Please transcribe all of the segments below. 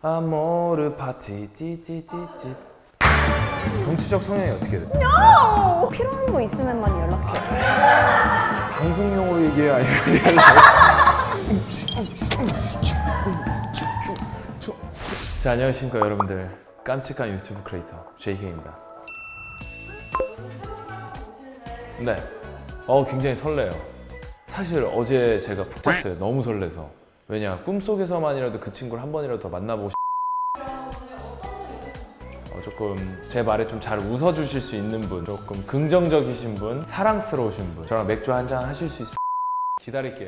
아모르 파티 찌찌찌찌. 정치적 성향이 어떻게 돼? No! 필요한 거 있으면만 연락해. 방송용으로 얘기해 아니면 자, 안녕하십니까 여러분들. 깜찍한 유튜브 크리에이터 JK입니다. 네, 굉장히 설레요. 사실 어제 제가 푹 잤어요. 너무 설레서. 왜냐, 꿈속에서만이라도 그 친구를 한 번이라도 더 만나보고 싶어요. 조금 제 말에 좀 잘 웃어주실 수 있는 분, 조금 긍정적이신 분, 사랑스러우신 분, 저랑 맥주 한잔 하실 수 있어요. 기다릴게요.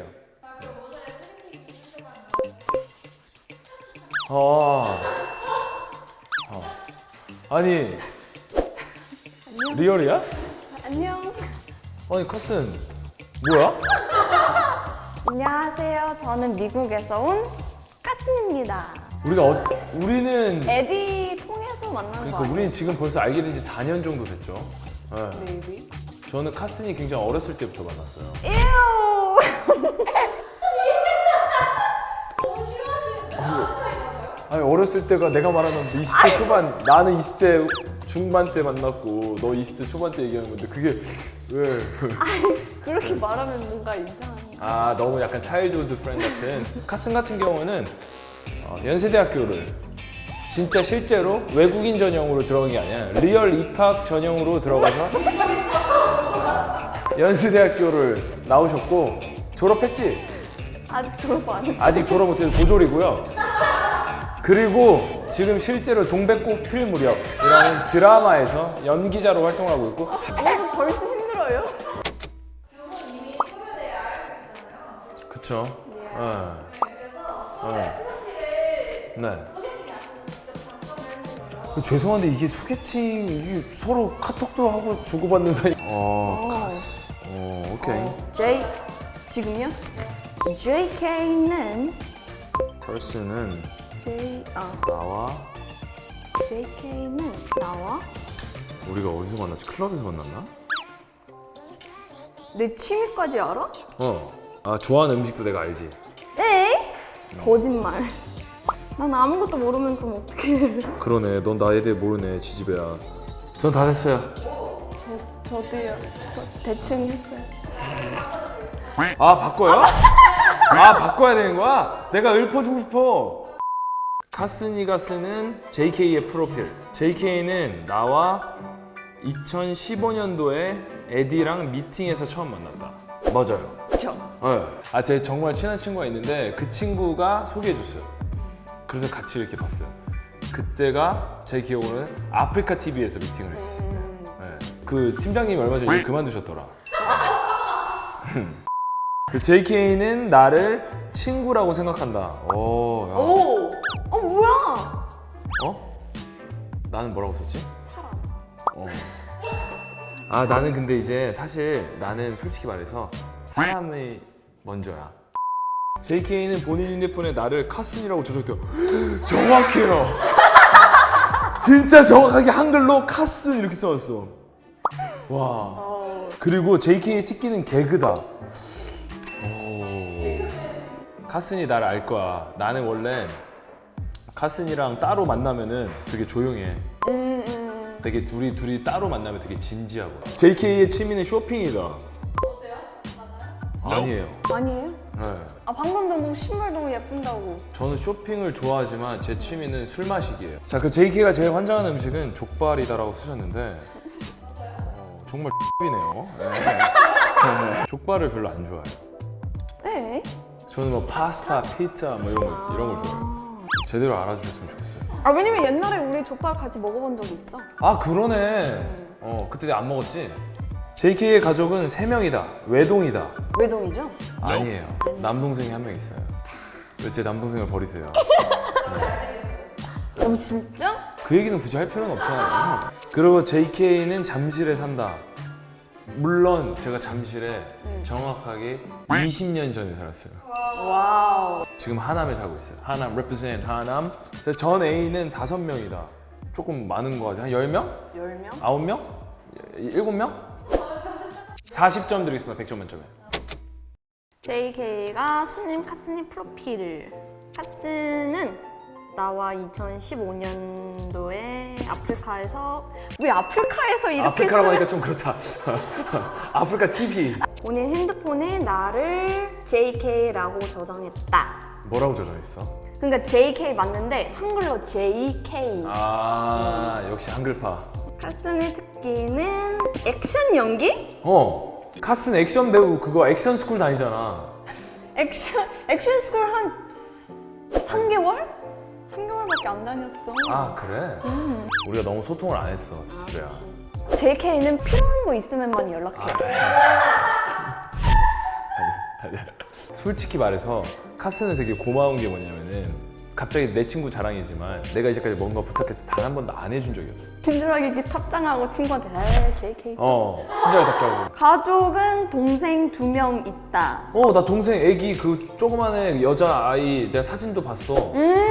아니, 안녕. 리얼이야? 안녕. 아니, 카슨 뭐야? 안녕하세요. 저는 미국에서 온 카슨입니다. 우리는 에디 통해서 만난 거 그러니까 아니에요? 우리는 지금 벌써 알게 된 지 4년 정도 됐죠. 네. Maybe. 저는 카슨이 굉장히 어렸을 때부터 만났어요. 에우. 아니, 어렸을 때가 내가 말하는 20대 초반, 나는 20대 중반 때 만났고 너 20대 초반 때 얘기하는 건데 그게 왜? 그렇게 말하면 뭔가 이상해. 너무 약간 차일드우드 프렌드 같은. 카슨 같은 경우는 연세대학교를 진짜 실제로 외국인 전형으로 들어간 게 아니야. 리얼 입학 전형으로 들어가서 연세대학교를 나오셨고 졸업했지? 아직 졸업 안 했어. 아직 졸업 못해서 보졸이고요. 그리고 지금 실제로 동백꽃 필 무렵이라는 드라마에서 연기자로 활동하고 있고. 오늘도 벌써 힘들어요? 그쵸? 네. 죄송한데 이게 소개팅, 이게 서로 카톡도 하고 주고받는 사이. 카스. 오케이. 지금요? JK는 person은 나와. JK는 나와? 우리가 어디서 만났지? 클럽에서 만났나? 내 취미까지 알아? 좋아하는 음식도 내가 알지. 에이? 거짓말. 난 아무것도 모르면 그럼 어떡해. 그러네. 넌 나에 대해 모르네. 지지배야. 전 다 됐어요. 저도요. 대충 했어요. 바꿔요? 바꿔야 되는 거야? 내가 읊어주고 싶어. 카슨이가 쓰는 JK의 프로필. JK는 나와 2015년도에 에디랑 미팅에서 처음 만났다. 맞아요. 그쵸? 네. 제 정말 친한 친구가 있는데 그 친구가 소개해줬어요. 그래서 같이 이렇게 봤어요. 그때가 제 기억으로는 아프리카 TV에서 미팅을 했었어요. 네. 그 팀장님이 얼마 전에 그만두셨더라. 그 JK는 나를 친구라고 생각한다. 오! 뭐야? 나는 뭐라고 썼지? 사람. 나는 근데 이제 사실 나는 솔직히 말해서 사람이 먼저야. JK는 본인 휴대폰에 나를 카슨이라고 주셨대요. 정확해요. 진짜 정확하게 한글로 카슨 이렇게 써놨어. 와. 그리고 JK의 특기는 개그다. 카슨이 나를 알 거야. 나는 원래 카슨이랑 따로 만나면은 되게 조용해. 되게 둘이 따로 만나면 되게 진지하고. JK의 취미는 쇼핑이다. 어때요? 맞나요? 아니에요. 아니에요? 네. 방금도 뭐 신발 너무 예쁜다고. 저는 쇼핑을 좋아하지만 제 취미는 술 마시기예요. 자, 그 JK가 제일 환장하는 음식은 족발이다라고 쓰셨는데 정말 X이네요. 네. 족발을 별로 안 좋아해요. 네? 저는 뭐 파스타, 피자 뭐 이런 걸 좋아해요. 제대로 알아주셨으면 좋겠어요. 왜냐면 옛날에 우리 족발 같이 먹어본 적이 있어. 그러네. 그때 내가 안 먹었지? JK의 가족은 3명이다. 외동이다. 외동이죠? 아니에요. 남동생이 한 명 있어요. 왜 제 남동생을 버리세요? 진짜? 그 얘기는 굳이 할 필요는 없잖아요. 그리고 JK는 잠실에 산다. 물론 제가 잠실에 정확하게 20년 전에 살았어요. 와우. 지금 하남에 살고 있어요. 하남, represent 하남. 전 애인은 5명이다. 조금 많은 거 같아요. 한 10명? 10명? 9명? 7명? 40점 드리겠습니다. 100점 만점에. JK가 스님 카스님 프로필. 카스는 나와 2015년도에 아프리카에서 왜 아프리카에서 이렇게 아프리카라고 써? 하니까 좀 그렇다. 아프리카 TV. 본인 핸드폰에 나를 JK라고 저장했다. 뭐라고 저장했어? 그러니까 JK 맞는데 한글로 JK. 아 역시 한글파. 카슨의 특기는 액션 연기? 카슨 액션 배우 그거 액션 스쿨 다니잖아. 액션 스쿨 한 3개월? 3개월밖에 안 다녔어. 아 그래? 우리가 너무 소통을 안 했어 지수야. JK는 필요한 거 있으면만 연락해. 솔직히 말해서 카스는 되게 고마운 게 뭐냐면은 갑자기 내 친구 자랑이지만 내가 이제까지 뭔가 부탁해서 단 한 번도 안 해준 적이 없어. 친절하게 이렇게 탑장하고 친구한테 에이 JK. 친절하게 답장하고. 가족은 동생 2명 있다. 나 동생 애기 그 조그만한 여자 아이 내가 사진도 봤어.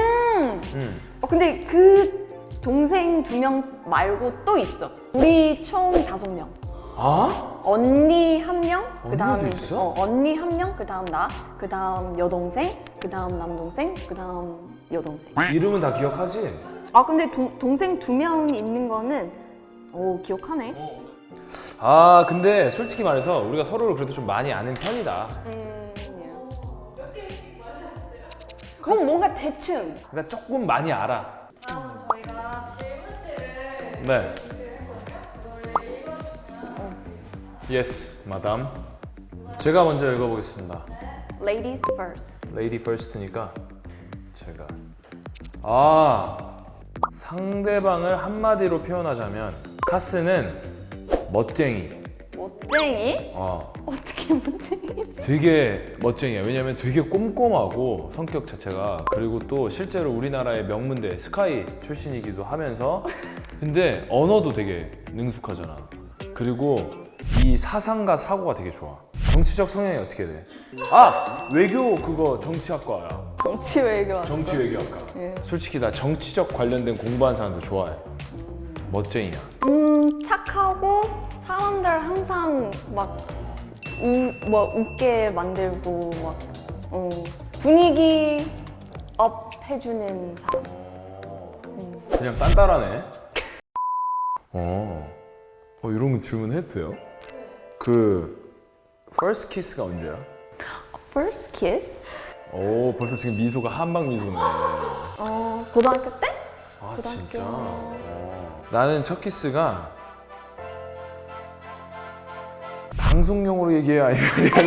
근데 그 동생 2명 말고 또 있어. 우리 총 5명. 아? 언니 1명, 그 다음 언니도 있어? 언니 1명, 그 다음 나, 그 다음 여동생, 그 다음 남동생, 그 다음 여동생. 이름은 다 기억하지? 아 근데 동생 2명 있는 거는 기억하네. 아 근데 솔직히 말해서 우리가 서로를 그래도 좀 많이 아는 편이다. 몇 개씩 마셨어요? 그건 뭔가 대충. 그러니까 조금 많이 알아. 다음 저희가 질문지를 네. 준비했거든요. 이거를 읽어주시면 Yes, 마담. 제가 먼저 읽어보겠습니다. Ladies first. Lady first니까 제가 상대방을 한마디로 표현하자면 카스는 멋쟁이. 멋쟁이? 어, 어떻게 멋쟁이지? 되게 멋쟁이야. 왜냐면 되게 꼼꼼하고 성격 자체가. 그리고 또 실제로 우리나라의 명문대 스카이 출신이기도 하면서 근데 언어도 되게 능숙하잖아. 그리고 이 사상과 사고가 되게 좋아. 정치적 성향이 어떻게 돼? 외교 그거 정치학과야. 정치 외교. 정치 외교학과. 예. 솔직히 나 정치적 관련된 공부한 사람도 좋아해. 멋쟁이야. 착하고 사람들 항상 막 웃게 만들고 막 분위기 업 해주는 사람. 그냥 딴따라네. 이런 거 질문해도 돼요? 그 first kiss가 언제야? First kiss? 벌써 지금 미소가 한방 미소네. 고등학교 때? 아 고등학교. 진짜? 나는 첫 키스가 방송용으로 얘기해야 아니면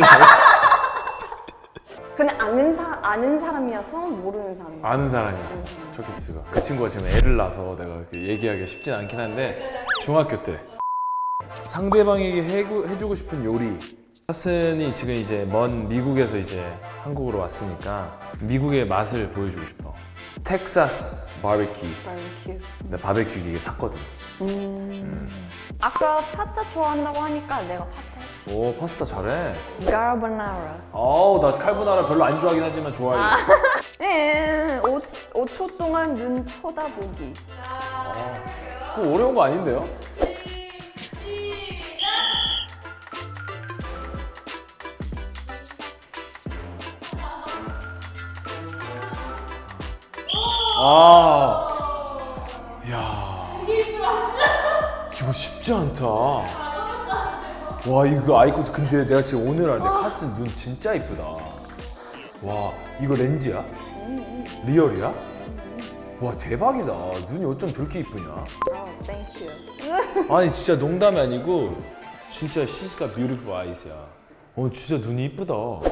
근데 아는 사람이어서 모르는 사람이야. 아는 사람이었어. 첫 키스가. 그 친구가 지금 애를 낳아서 내가 이렇게 얘기하기가 쉽진 않긴 한데 중학교 때 상대방에게 해주고 싶은 요리. 카슨이 지금 이제 먼 미국에서 이제 한국으로 왔으니까 미국의 맛을 보여주고 싶어. 텍사스 바베큐. 바베큐. 나 바베큐 이게 샀거든. 아까 파스타 좋아한다고 하니까 내가 파스타 해줄게. 오 파스타 잘해. 까르보나라. 나 칼보나라 별로 안 좋아하긴 하지만 좋아해. 5초 동안 눈 쳐다보기. 그거 어려운 거 아닌데요? 야, 이거 쉽지 않다. 와, 이거 아이콘 근데 내가 지금 오늘 알았는데 카슨 눈 진짜 이쁘다. 와, 이거 렌즈야? 리얼이야? 와, 대박이다. 눈이 어쩜 저렇게 이쁘냐? 땡큐. 아니 진짜 농담이 아니고 진짜 she's got beautiful eyes야. 진짜 눈이 이쁘다.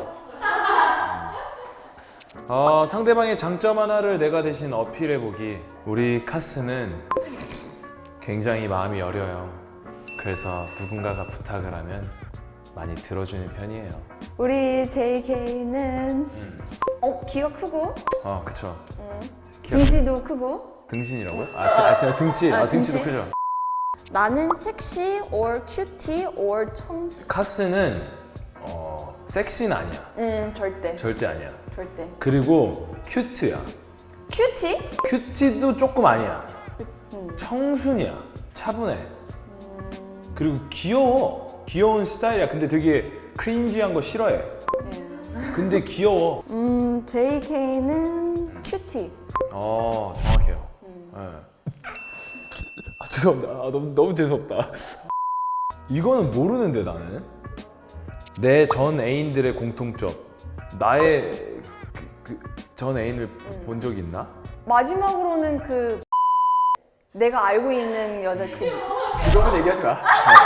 상대방의 장점 하나를 내가 대신 어필해보기. 우리 카스는 굉장히 마음이 여려요. 그래서 누군가가 부탁을 하면 많이 들어주는 편이에요. 우리 JK는 귀가 크고 그쵸. 등치도 크고. 등신이라고요? 등치. 등치도 등치? 크죠. 나는 섹시 or cutie or 청순. 카스는 섹시는 아니야. 절대 아니야. 절대. 그리고 큐트야. 큐티? 큐티도 조금 아니야. 청순이야. 차분해. 그리고 귀여워. 귀여운 스타일이야. 근데 되게 크린지한 거 싫어해. 근데 귀여워. JK는 큐티. 정확해요. 네. 죄송합니다. 너무 재수없다. 이거는 모르는데 나는 내 전 애인들의 공통점. 나의 전 애인을 본 적 있나? 마지막으로는 그 내가 알고 있는 여자 그. 직업은 얘기하지 마.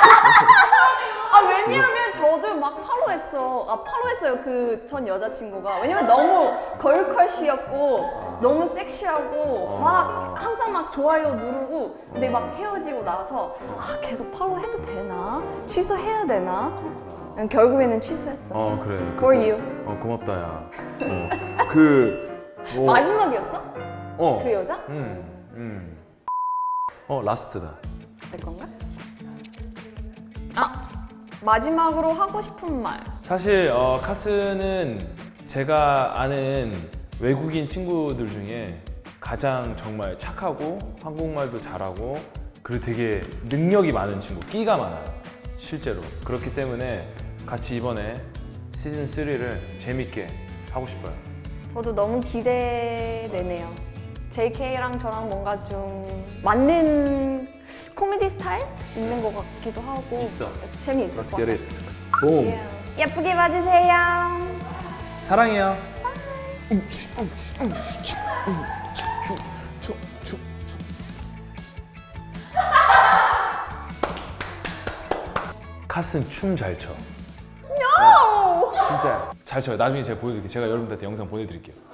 아 왜냐면 저도 막 팔로우했어요 그 전 여자친구가. 왜냐면 너무 걸컬시였고 너무 섹시하고 막 항상 막 좋아요 누르고. 근데 막 헤어지고 나서 계속 팔로우해도 되나? 취소해야 되나? 결국에는 취소했어. 그래. For you. 고맙다 야. 마지막이었어? 그 여자? 라스트다. 내 건가? 마지막으로 하고 싶은 말. 사실 카스는 제가 아는 외국인 친구들 중에 가장 정말 착하고 한국말도 잘하고 그리고 되게 능력이 많은 친구, 끼가 많아요. 실제로. 그렇기 때문에 같이 이번에 시즌 3를 재밌게 하고 싶어요. 저도 너무 기대되네요. JK랑 저랑 뭔가 좀 맞는 코미디 스타일 있는 것 같기도 하고 있어. 재미있을 Let's 것 get 같아요. it. 봄. 예쁘게 봐주세요. 사랑해요. 카스는 춤 잘 춰. No! 진짜 잘 춰요. 나중에 제가 보여드릴게요. 제가 여러분들한테 영상 보내드릴게요.